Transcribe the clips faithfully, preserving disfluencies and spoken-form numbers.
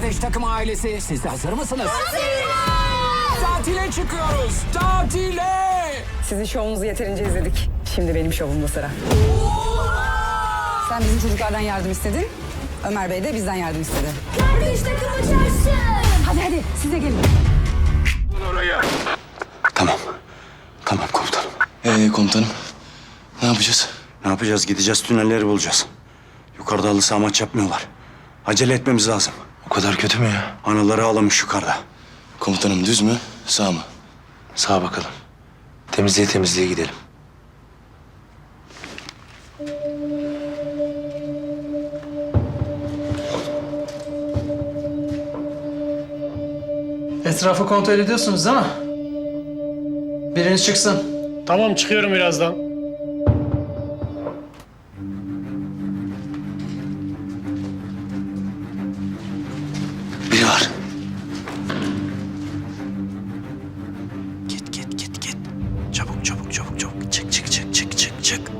Ateş Takım ailesi, siz de hazır mısınız? Tatile çıkıyoruz, tatile! Sizin şovunuzu yeterince izledik. Şimdi benim şovumda sıra. Sen bizim çocuklardan yardım istedin. Ömer Bey de bizden yardım istedi. Kardeş takımı çarşı. Hadi hadi siz de gelin. Tamam. Tamam komutanım. Ee komutanım, ne yapacağız? Ne yapacağız? Gideceğiz, tünelleri bulacağız. Yukarıda halı saha maç yapmıyorlar. Acele etmemiz lazım. O kadar kötü mü ya? Anaları ağlamış yukarıda. Komutanım düz mü, sağ mı? Sağa bakalım. Temizliğe temizliğe gidelim. Etrafı kontrol ediyorsunuz değil mi? Biriniz çıksın. Tamam, çıkıyorum birazdan. Biri var. Git git git git. Çabuk çabuk çabuk çabuk. Çık çık çık çık çık çık.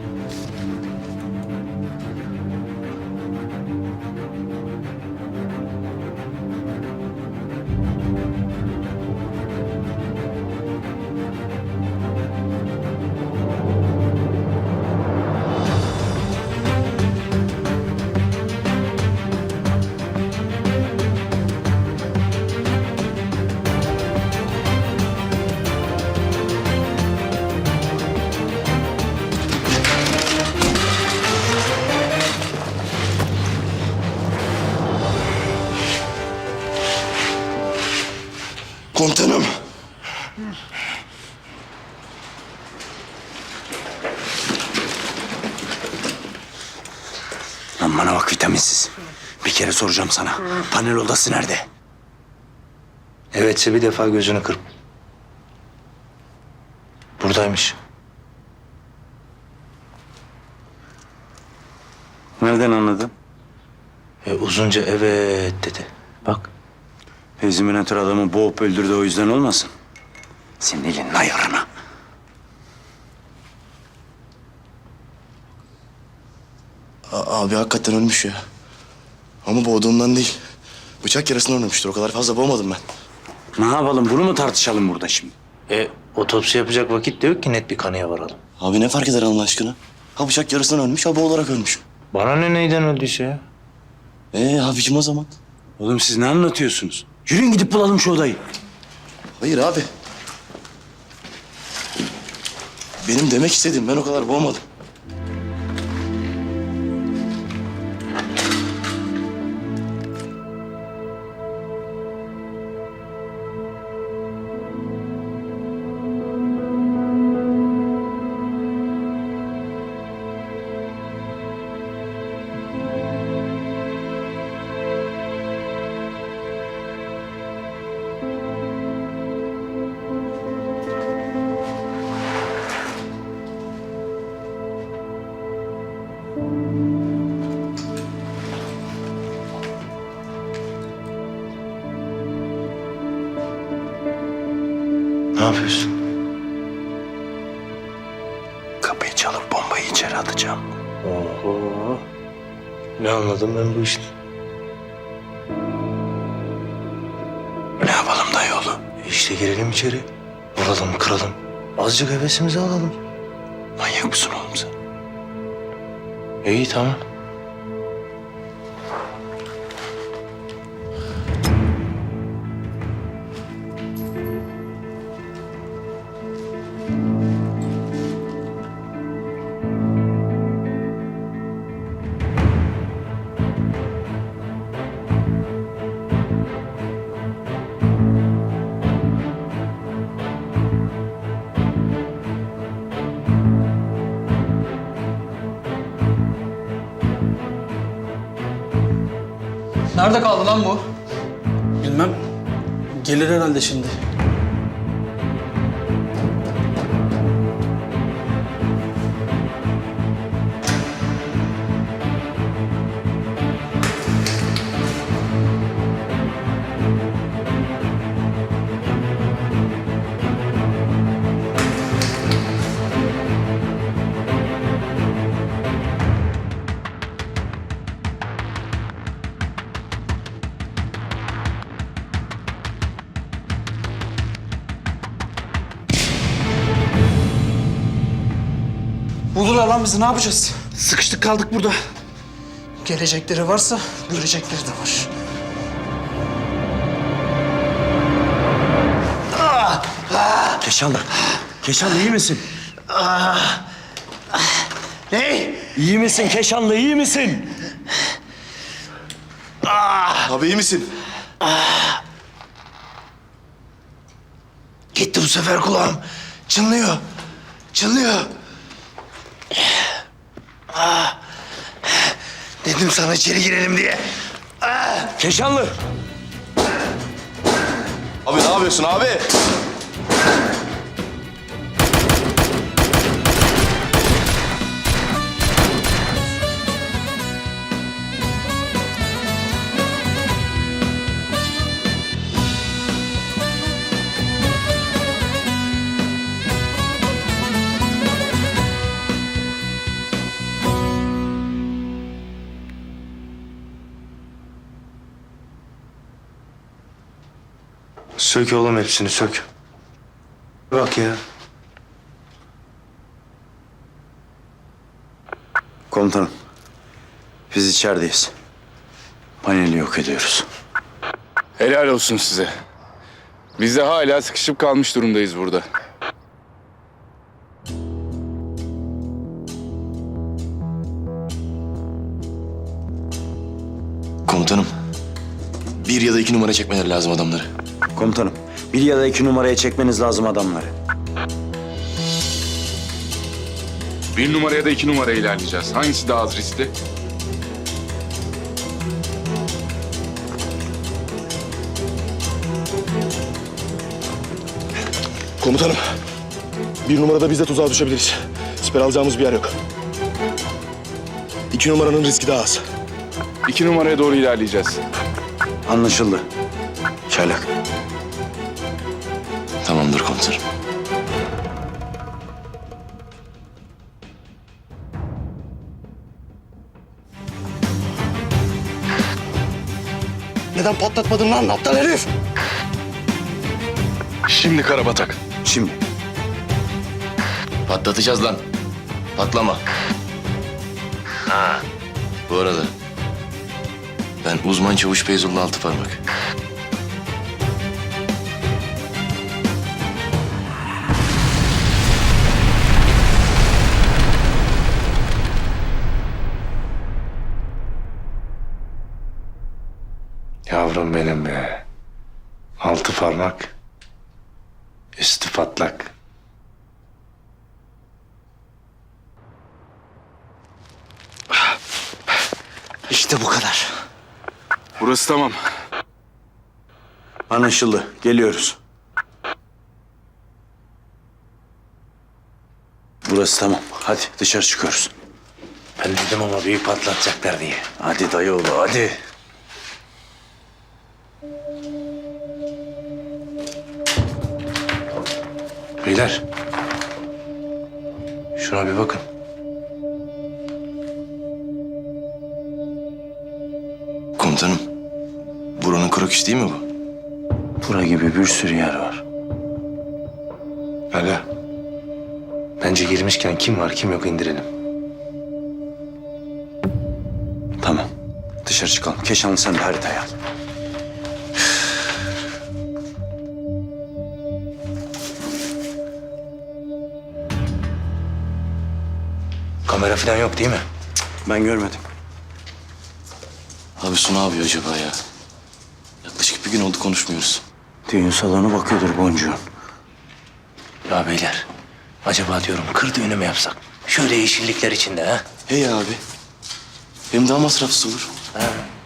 Komutanım. Lan bana bak vitaminsiz. Bir kere soracağım sana. Panel odası nerede? Evetse bir defa gözünü kırp. Buradaymış. Nereden anladın? E, uzunca evet dedi. Bak. Eziminatör adamı boğup öldürdü, o yüzden olmasın. Senin elin ayarına. A- abi hakikaten ölmüş ya. Ama boğduğundan değil. Bıçak yarasından ölmüştür. O kadar fazla boğmadım ben. Ne yapalım, bunu mu tartışalım burada şimdi? E, otopsi yapacak vakit de yok ki net bir kanıya varalım. Abi ne fark eder Allah aşkına? Ha bıçak yarasından ölmüş, ha boğularak ölmüş. Bana ne neyden öldüyse ya? Ee abicim o zaman. Oğlum siz ne anlatıyorsunuz? Yürüyün gidip bulalım şu odayı. Hayır abi. Benim demek istediğim, ben o kadar boğmadım. Ne yapıyorsun? Kapıyı çalıp bombayı içeri atacağım. Oho. Ne anladım ben bu işten? Ne yapalım dayıoğlu? İşte girelim içeri. Vuralım, kıralım. Azıcık hevesimizi alalım. Manyak mısın oğlum sen? İyi tamam. Nerede kaldı lan bu? Bilmem. Gelir herhalde şimdi. Bulurlar lan bizi, ne yapacağız? Sıkıştık kaldık burada. Gelecekleri varsa görecekleri de var. Keşanlı. Keşanlı iyi misin? Ne? İyi misin Keşanlı iyi misin? Abi iyi misin? Gitti bu sefer kulağım. Çınlıyor. Çınlıyor. Ah. Dedim sana içeri girelim diye. Keşanlı. Abi ne yapıyorsun abi? Sök oğlum hepsini sök. Bak ya. Komutanım, biz içerideyiz. Paneli yok ediyoruz. Helal olsun size. Biz de hala sıkışıp kalmış durumdayız burada. Komutanım. Bir ya da iki numara çekmeleri lazım adamları. Komutanım, bir ya da iki numaraya çekmeniz lazım adamları. Bir numaraya da iki numaraya ilerleyeceğiz. Hangisi daha az riskli? Komutanım. Bir numarada biz de tuzağa düşebiliriz. Siper alacağımız bir yer yok. İki numaranın riski daha az. İki numaraya doğru ilerleyeceğiz. Anlaşıldı. Çaylak. Tamamdır komutanım. Neden patlatmadın lan aptal herif? Şimdi karabatak. Şimdi. Patlatacağız lan. Patlama. Ha. Bu arada ben uzman çavuş Feyzullah Altıparmak. Yavrum benim be. Altı parmak. Üstü patlak. İşte bu kadar. Burası tamam. Anlaşıldı. Geliyoruz. Burası tamam. Hadi dışarı çıkıyoruz. Ben dedim ama büyük patlatacaklar diye. Hadi dayıoğlu hadi. Beyler. Şuna bir bakın. Komutanım. Buranın kroküsü değil mi bu? Bura gibi bir sürü yer var. Hala. Bence girmişken kim var kim yok indirelim. Tamam. Dışarı çıkalım. Keşanlı sen de haritayı al. Kamera falan yok değil mi? Ben görmedim. Abi Su ne yapıyor acaba ya? Yaklaşık bir gün oldu konuşmuyoruz. Düğün salonu bakıyordur boncuğun. Ya beyler. Acaba diyorum kır düğünü mü yapsak? Şöyle yeşillikler içinde ha? Hey abi. Hem daha masrafsız olur. Ha.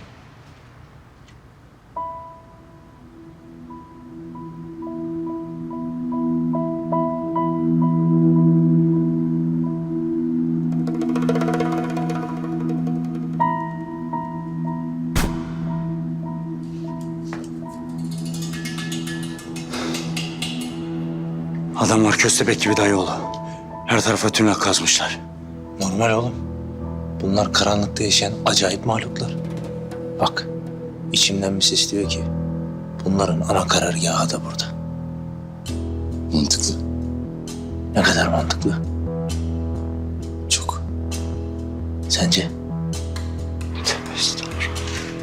Adamlar köstebek gibi dayıoğlu. Her tarafa tünel kazmışlar. Normal oğlum. Bunlar karanlıkta yaşayan acayip mahluklar. Bak, içimden bir ses diyor ki... bunların ana karargahı da burada. Mantıklı. Ne kadar mantıklı. Sence? Tövbe estağfurullah.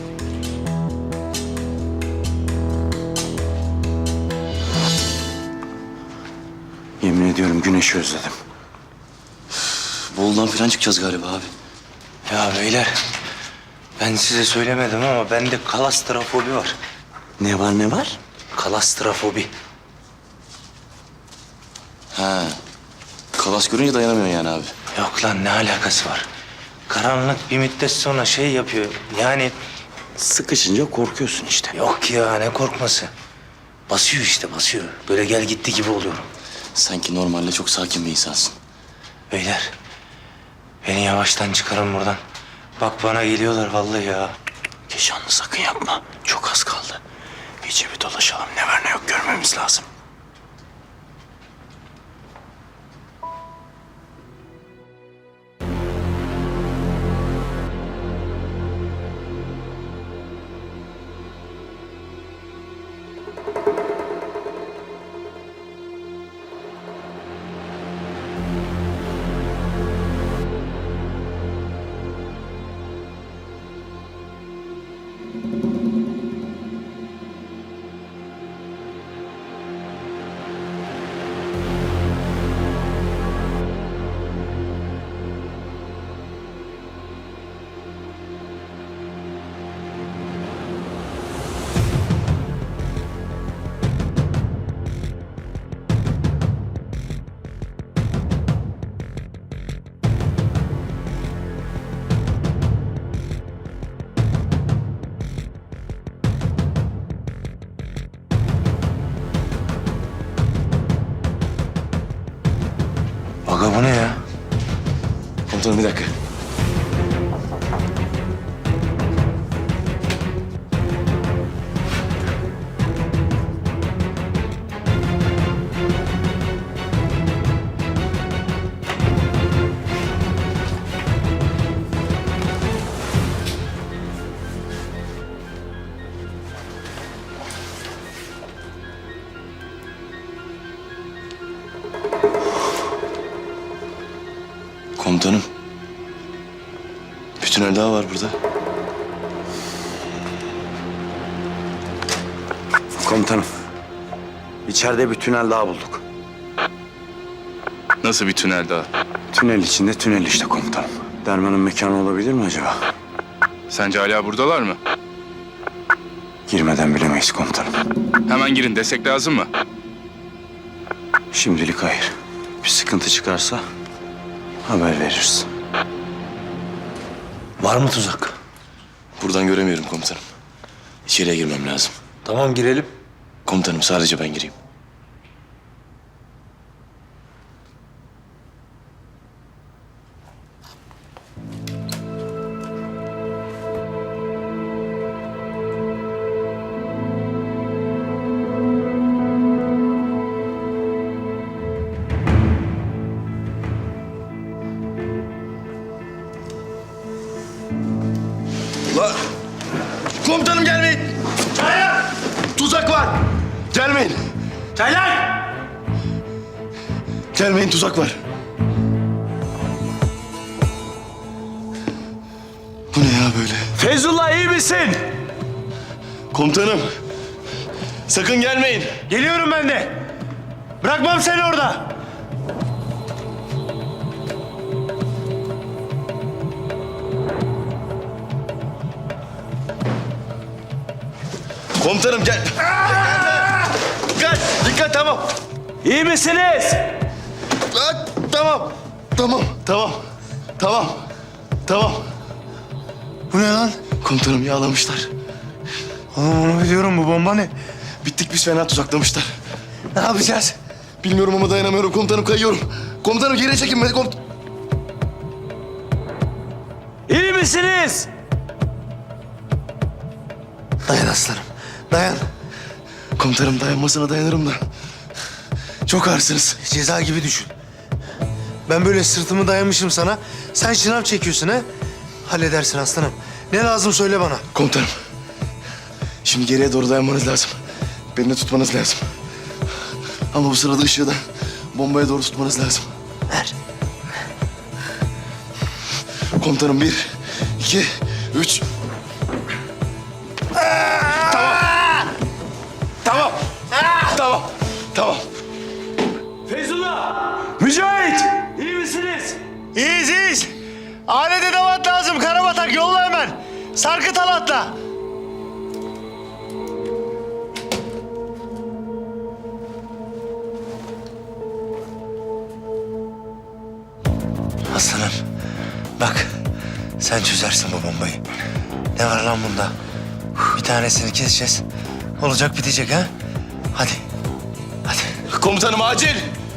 Yemin ediyorum güneşi özledim. Bolu'dan falan çıkacağız galiba abi. Ya beyler, ben size söylemedim ama bende kalastrafobi var. Ne var ne var? Kalastrafobi. Ha. Kalas görünce dayanamıyorsun yani abi. Yok lan, ne alakası var? Karanlık bir müddet sonra şey yapıyor. Yani Sıkışınca korkuyorsun işte. yok ya, ne korkması. Basıyor işte, basıyor. Böyle gel gitti gibi oluyorum. Sanki normalde çok sakin bir insansın. Beyler, beni yavaştan çıkarın buradan. Bak bana geliyorlar vallahi ya. Keşanlı sakın yapma. Çok az kaldı. İyice bir dolaşalım. Ne var ne yok görmemiz lazım. Aga bu ne ya? Komutanım bir dakika. Komutanım. Bir tünel daha var burada. Komutanım. İçeride bir tünel daha bulduk. Nasıl bir tünel daha? Tünel içinde tünel işte komutanım. Derman'ın mekanı olabilir mi acaba? Sence hala buradalar mı? Girmeden bilemeyiz komutanım. Hemen girin desek lazım mı? Şimdilik hayır. Bir sıkıntı çıkarsa haber veririz. Var mı tuzak? Buradan göremiyorum komutanım. İçeriye girmem lazım. Tamam, girelim. Komutanım sadece ben gireyim. La! Komutanım gelmeyin! Çaylar! Tuzak var! Gelmeyin! Çaylar! Gelmeyin, tuzak var. Bu ne ya böyle? Feyzullah, iyi misin? Komutanım! Sakın gelmeyin! Geliyorum ben de. Bırakmam seni orada. Komutanım gel! Dikkat! Dikkat, tamam! İyi misiniz? Aa, tamam! Tamam, tamam. Tamam. Tamam. Bu ne lan? Komutanım yağlamışlar. Oğlum onu biliyorum, bu bomba ne? Bittik biz, fena tuzaklamışlar. Ne yapacağız? Bilmiyorum ama dayanamıyorum komutanım, kayıyorum. Komutanım geri çekin beni komut... İyi misiniz? Dayan aslanım, dayan. Komutanım dayanmasına dayanırım da. Çok ağırsınız. Ceza gibi düşün. Ben böyle sırtımı dayamışım sana. Sen şınav çekiyorsun ha? Halledersin aslanım. Ne lazım söyle bana. Komutanım. Şimdi geriye doğru dayanmanız lazım. Beni de tutmanız lazım. Ama bu sırada ışığı da bombaya doğru tutmanız lazım. Ver. Komutanım bir, iki, üç. Tamam. Tamam. Tamam. Tamam. Mücahit! İyi misiniz? İyiyiz, iyiyiz. Alet edevat lazım. Karabatak yolla hemen. Sarkıt halatla. Aslanım, bak sen çözersin bu bombayı. Ne var lan bunda? Bir tanesini keseceğiz. Olacak bitecek ha? Hadi, hadi. Komutanım acil.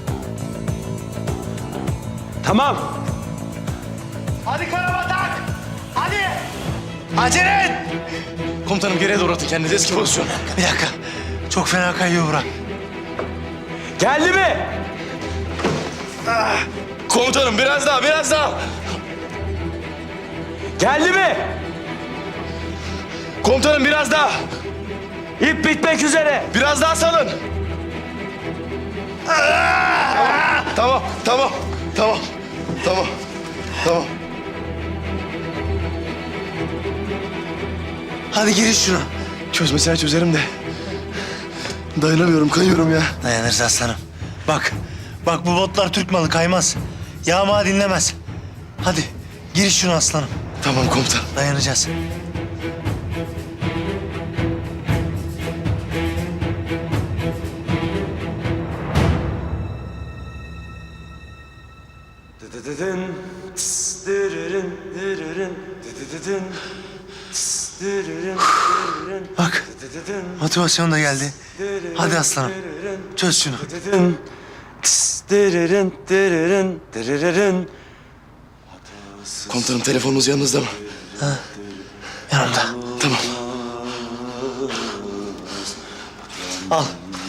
Tamam. Hadi Karabatak! Hadi! Acele et! Komutanım geriye doğru atın kendinizi, eski pozisyon. Bir dakika. Çok fena kayıyor bura. Geldi mi? Komutanım biraz daha, biraz daha. Geldi mi? Komutanım biraz daha. İp bitmek üzere. Biraz daha salın. Tamam, tamam, tamam, tamam, tamam. Hadi giriş şuna. Çözmesine çözerim de. Dayanamıyorum, kayıyorum ya. Dayanırız aslanım. Bak, bak bu botlar Türk malı kaymaz. Yağma dinlemez. Hadi giriş şuna aslanım. Tamam komutan. Dayanacağız. Bak, motivasyon da geldi. Hadi aslanım, çöz şunu. Komutanım telefonunuz yanınızda mı? Yanımda. Tamam. Al.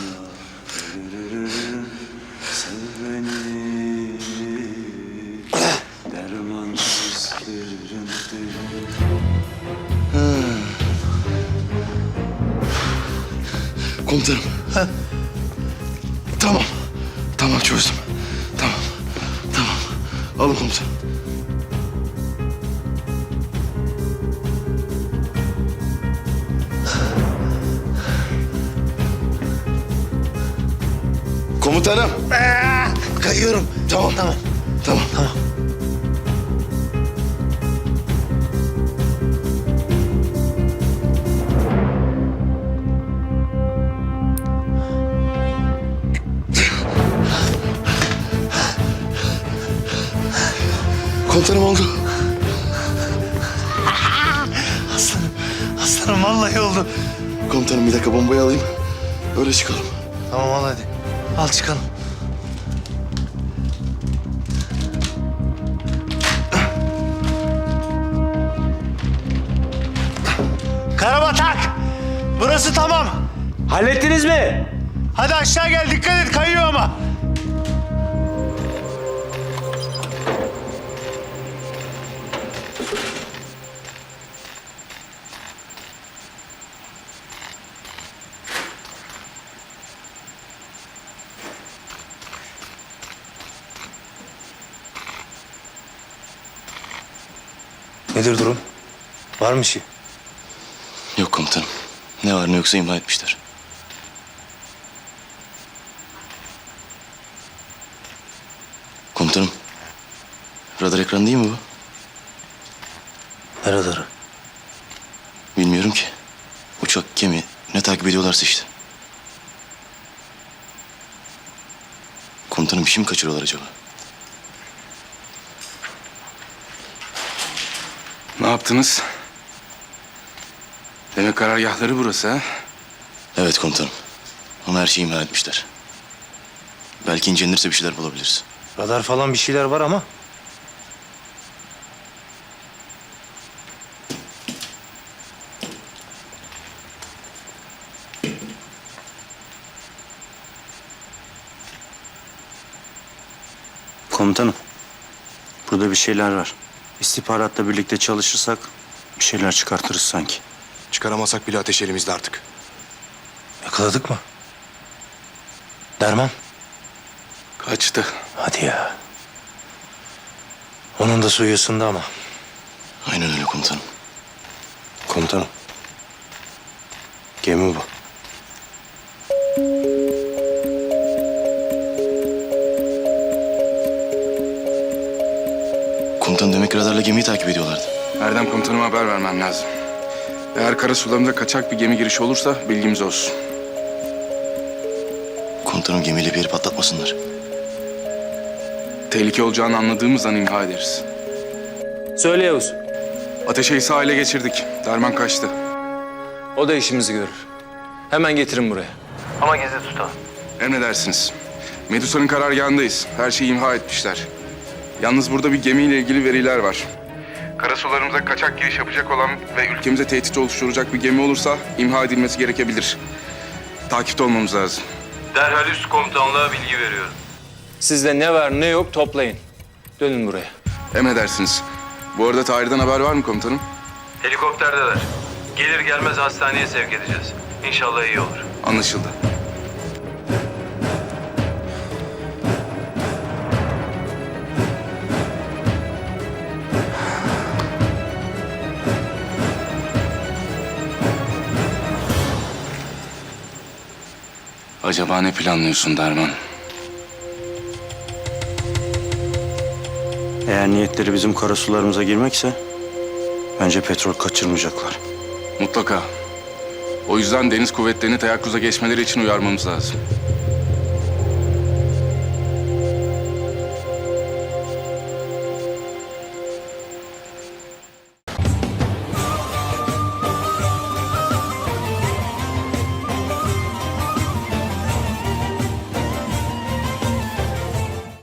Komutanım. Tamam. Tamam çözdüm. Tamam. Tamam. Alın komutanım. Komutanım. Kayıyorum. Tamam. Tamam. Tamam. Tamam. Komutanım oldu. Aslanım, aslanım vallahi oldu. Komutanım bir dakika bombayı alayım. Öyle çıkalım. Tamam al hadi. Al çıkalım. Karabatak! Burası tamam. Hallettiniz mi? Hadi aşağı gel, dikkat et, kayıyor ama. Nedir durum? Var mı bir şey? Yok komutanım. Ne var ne yoksa imha etmişler. Komutanım. Radar ekranı değil mi bu? Ne radarı? Bilmiyorum ki. Uçak, gemi ne takip ediyorlarsa işte. Komutanım bir şey mi kaçırıyorlar acaba? Ne yaptınız? Demek karargahları burası ha? Evet komutanım. Ama her şeyi imha etmişler. Belki incelenirse bir şeyler bulabiliriz. Radar falan bir şeyler var ama. Komutanım, burada bir şeyler var. İstihbaratla birlikte çalışırsak bir şeyler çıkartırız sanki. Çıkaramasak bile ateş elimizde artık. Yakaladık mı? Derman. Kaçtı. Hadi ya. Onun da suyu ısındı ama. Aynen öyle komutanım. Komutanım. Gemi bu. Komutanım demek radarla gemiyi takip ediyorlardı. Erdem komutanıma haber vermem lazım. Eğer kara sularında kaçak bir gemi girişi olursa bilgimiz olsun. Komutanım gemiyle bir yeri patlatmasınlar. Tehlike olacağını anladığımız an imha ederiz. Söyle Yavuz. Ateşe'yi sahile geçirdik. Derman kaçtı. O da işimizi görür. Hemen getirin buraya. Ama gizli tutalım. Emredersiniz. Medusa'nın karargahındayız. Her şeyi imha etmişler. Yalnız burada bir gemiyle ilgili veriler var. Karasularımıza kaçak giriş yapacak olan ve ülkemize tehdit oluşturacak bir gemi olursa imha edilmesi gerekebilir. Takipte olmamız lazım. Derhal üst komutanlığa bilgi veriyorum. Sizde ne var ne yok toplayın. Dönün buraya. Emredersiniz. Bu arada Tahir'den haber var mı komutanım? Helikopterdeler. Gelir gelmez hastaneye sevk edeceğiz. İnşallah iyi olur. Anlaşıldı. Acaba ne planlıyorsun Derman? Eğer niyetleri bizim karasularımıza girmekse bence petrol kaçırmayacaklar. Mutlaka. O yüzden deniz kuvvetlerini teyakkuza geçmeleri için uyarmamız lazım.